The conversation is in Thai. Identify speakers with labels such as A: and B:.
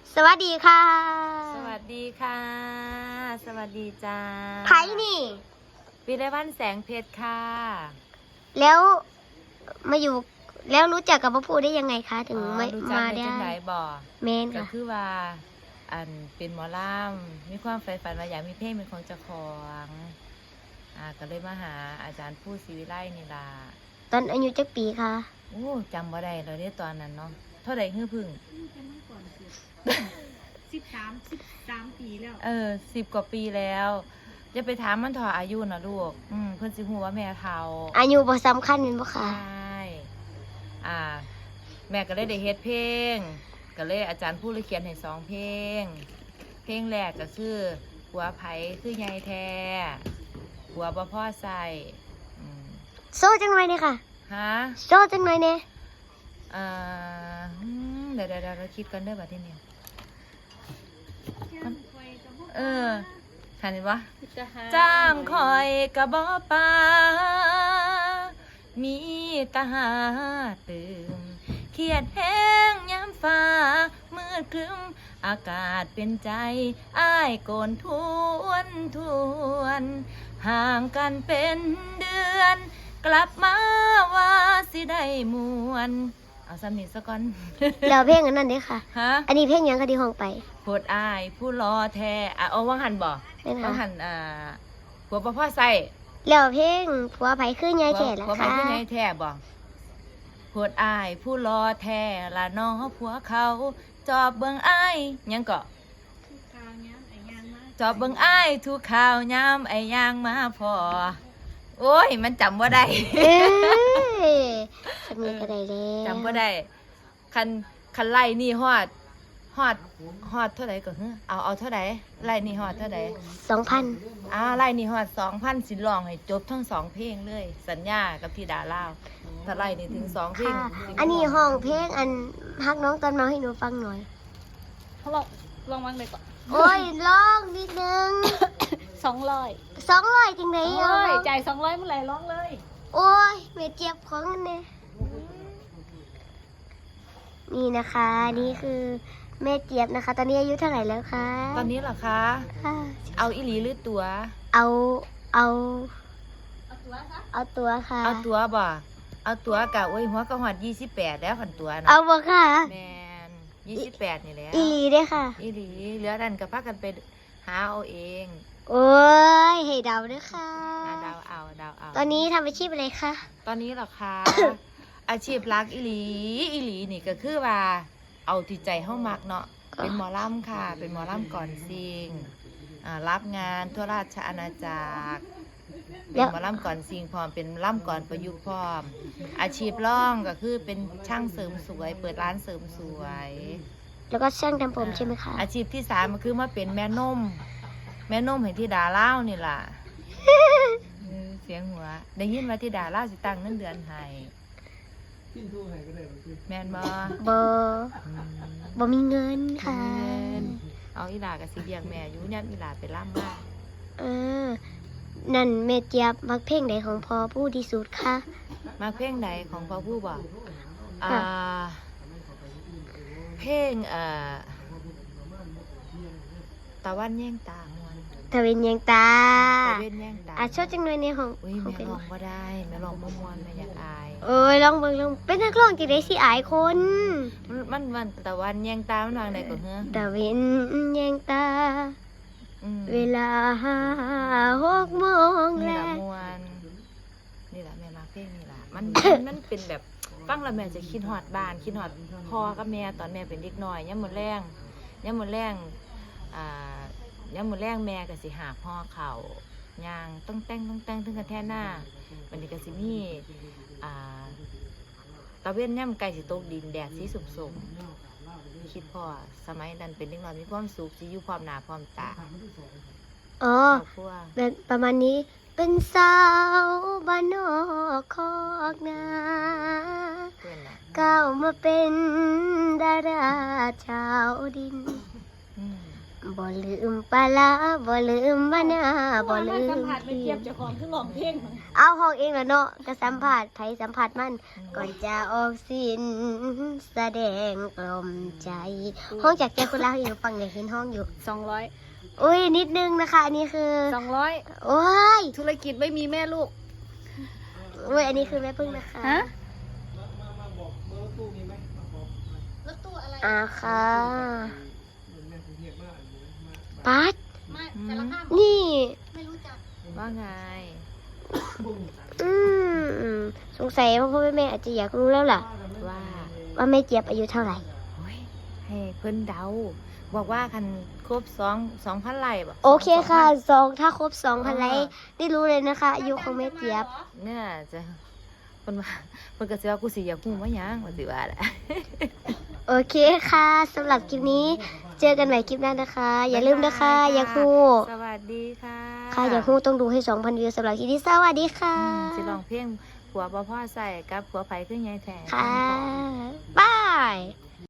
A: สวัสดีค่ะ
B: สวัสดีค่ะ สวัสดีจ้า
A: ไผ่นี่
B: วิไลวันแสงเพชรค่ะ
A: แล้วมาอยู่แล้วรู้จักกับพระพูได้ยังไงคะ ถึงไม่
B: รู้จัก
A: มา
B: ใน
A: ได้
B: จังไหนบ่
A: เมน
B: ก็
A: ค่ะ
B: คือว่าอันเป็นหมอลำมีความใฝ่ฝันว่าอยากมีเพลงเป็นของเจ้าของก็เลยมาหาอาจารย์ผู้ศรีวิไลนี่ล่ะ
A: ตอนอายุจักปีค่ะ
B: โอ้จำบ่ได้เลยเนี่ยตอนนั้นเนาะเท่าใดฮื้อพึ่ง
C: 13 ปีแล้ว
B: 10 กว่าปีแล้วจะไปถามมันถออายุนะลูกเพิ่นสิฮู้ว่าแม่เฒ่า
A: อายุบ่สำคัญเป็นบ่
B: ใช
A: ค่ะ
B: ่แม่ก็เลยได้เฮ็ดเพลงก็เลยอาจารย์ผู้เลยเขียนให้2เพลง เพลงแรกก็คือหัวไผคือใหญ่แท้หัวบ่พอใส่
A: โซ่จังหน่อยเนี่ยค่ะ
B: ฮะ
A: โซ่จังหน่อยเนี่ย
B: เดี๋ยวเราคิดกันเด้อบัดทีนี้ทันวะจ้างคอยกะบ่ปามีตาหาตื่มเครียดแห้งยามฟ้ามืดครึ้มอากาศเป็นใจอ้ายโกนทวนห่างกันเป็นเดือน กลับมาว่าสิได้มวนเอาซ้ำนี้ซะก่อน
A: แล้วเพลงอันนั้นเด้ค่ะ
B: ฮะ
A: อันนี้เพลงหยังคะที่ห้องไป
B: โพดอายผู้รอแท้เอาว่างหันบ่
A: เป็น
B: ว่าง
A: ค่ะ
B: หันหัวปลาพ่อใส่
A: แล้วเพลงผัวไผ่คือใหญ่แท้ล่ะ
B: หัวไป
A: ค่ะ
B: ที่ไหนแท้บ่โพดอายผู้รอแท้ละน้อผัวเขาจอบเบิ่งอายหยังเกาะ
C: ข่าวนี้ไอ้ยางมาก
B: จอบเบิ่งอายทุกข่าวยามไอ้ย่างมาพอโอ้ยมันจำว่าได้
A: เอ้ยจะมีก็ได้แล้ว
B: จำว่าได้คันไล่นี่ฮอดเท่าไหร่ก็คือเอาเท่าไหร่ไล่นี่ฮอดเท่าไหร่
A: 2,000
B: ไล่นี่ฮอด 2,000 สิร้องให้จบทั้ง2เพลงเลย สัญญากับพี่ดาลาวถ้าไล่นี่ถึง2เพลง
A: ค่ะ
B: สิ
A: อันนี้ห้องเพลงอันฮักน้องตอนมาให้หนูฟังหน่อย
C: เขาลองวางเลยก่อน
A: โอ้ยร้องนิดนึง
C: 200
A: 200จังได๋อ่ะ
C: จ่าย200เมื่อไหร่ร้องเลย
A: โอ้ยแม่เจ็บของอันเนี่ยนี่นะคะ นี่คือแม่เจี๊ยบนะคะ ตอนนี้อายุเท่าไหร่แล้วคะ
B: ตอนนี้เหรอคะ
A: ค่ะ
B: เอาอีหลีหรือตัว
A: เอาเอา
C: เอาตัวซะ
A: เอาตัวค่ะ
B: เอาตัวบ่เอาตัวกะโอ้ยหัวก็ฮอด28แล้วคันตัวนะ
A: เอาบ่ค่ะ
B: แม่น28นี่แหล้ว
A: อีหลีเด้อค่ะ
B: อีหลีเหลือดันก็พากันไปหาเอาเอง
A: โอ้ยให้เดาเด้อค่ะ
B: ดาวเอา
A: ตอนนี้ทำอาชีพอะไรคะ
B: ตอนนี้เหรอคะ อาชีพรักอีหลีนี่ก็คือว่าเอาที่ใจเฮามักเนาะเป็นหมอลำค่ะ เป็นหมอลำก่อนซิงรับงานทั่วราชอาณาจักรเป็นหมอลำก่อนซิงพร้อมเป็นลำก่อนประยุกต์พร้อม อาชีพร่องก็คือเป็นช่างเสริมสวย เปิดร้านเสริมสวย
A: แล้วก็ช่างทำผมใช่ไหมคะ
B: อาชีพที่3ก็คือมาเป็นแม่นมให้ที่ดาเล่าวนี่ล่ะ เสียงหัวได้ยินว่าที่ดาเล่าวสิตั้งเงินเดือนให้แม่นบ่
A: บ่บ่มีเงินค่ะ
B: เอาอีหลากับสิเลี้ยงแม่อยู่เนี่ยอีหลาไปล่ำบ้าน
A: เออ นั่นแม่เจี๊ยบมักเพลงใดของพ่อผู้ที่สุดคะ
B: มาเพลงไหนของพ่อผู้บอก
A: ค่ะ
B: เพลงตะวันแย่งตาม่วน
A: ทวินยังตา
B: ตะเว้นแย่งตา
A: ชอบจังเลยในห้อง
B: อุ้ย
A: ของ
B: แม่
A: เป็น
B: ร้องบ่ได้แม่ร้องบ่ม่วนแม่อยากอาย
A: เอ้ยลองเบิ่งลองเป็นนักร้องจังได๋สิอายคน
B: มันตะวันแย่งตามันวางไหนก่อนเฮ้อ
A: ตะเวนยังตา เวลา6 โมง
B: นี่
A: แล้
B: ละ
A: ว
B: ม่วนนี่ละแม่มาเพลงนี่ละมันเป็นแบบฟังแล้วแม่จะคิดฮอดบ้านคิดฮอดพ่อกับแม่ตอนแม่เป็นเด็กน้อยยามมื้อแลงยามมื้อแรงแม่ก็สิหาพ่อเขาย่างต้องแต่งถึงกันแท้หน้าวันนี้ก็สิมีตะเว้นย่ำไก่สิตกดินแดดสีสุ่มๆคิดพ่อสมัยนั้นเป็นเด็กน้อยมีความสุขสิอยู่พร้อมหน้าพร้อมตา
A: อ๋อ
B: ครอบครัว
A: แบบประมาณนี้เป็นสาวบ้านนอกคอกนา
B: เพื่อนน่ะ
A: ก้าวมาเป็นดาราชาวดิน
B: อืม
A: บ่ลืมปลาร้าบ่ลืมมะนาวบ่ลื
C: สัม
A: ม
C: ผัสไม่เทียบเจ้าของคือร้องเพลงมัน
A: เอาห้องเองแล้วเนาะก็สัมผัสไผสัมผัสมันก่อนจะออกสิ้นแสดงกล่อมใจ ห้องจากใจคนรักอยู่ฟังเนี่ยเห็นห้องอยู่
C: 200
A: อุ้ยนิดนึงนะคะอันนี้คือ
C: 200
A: โอ้ย
C: ธุรกิจไม่มีแม่ลูก
A: อุ้ยอันนี้คือแม่พึ่งนะคะ
C: ฮะ
A: ค่ะปัดนี่
B: ว่าไง
A: อืมสงสัยว่าพ่อแม่อาจจะอยากรู้แล้วล่ะ
B: ว่า
A: ว่าแม่เจี๊ยบอายุเท่าไหร่
B: โอ้ยให้เพิ่นเดา บอกว่าคันครบ2,000 ไร่บ่
A: โอเคค่ะถ้าครบ2,000ไลค์ได้รู้เลยนะคะ อายุของแม่เจี๊ยบ
B: เนี่ยจะเพิ่นว่าเพิ่นก็สิว่ากูสิอยากฮู้ว่าหยังว่าสิว่าแหละ
A: โอเคค่ะสำหรับคลิปนี้ เจอกันใหม่คลิปหน้านะคะ อย่าลืมนะคะ อยากฮู้
B: สวัสดีค่ะ
A: ค่ะอยากฮู้ต้องดูให้ 2,000 วิวสำหรับคลิปนี้สวัสดีค่ะ
B: สิร้องเพลงผัวบ่พ่อใส่กับผัวไผคือใหญ่แท้
A: ค่ะบาย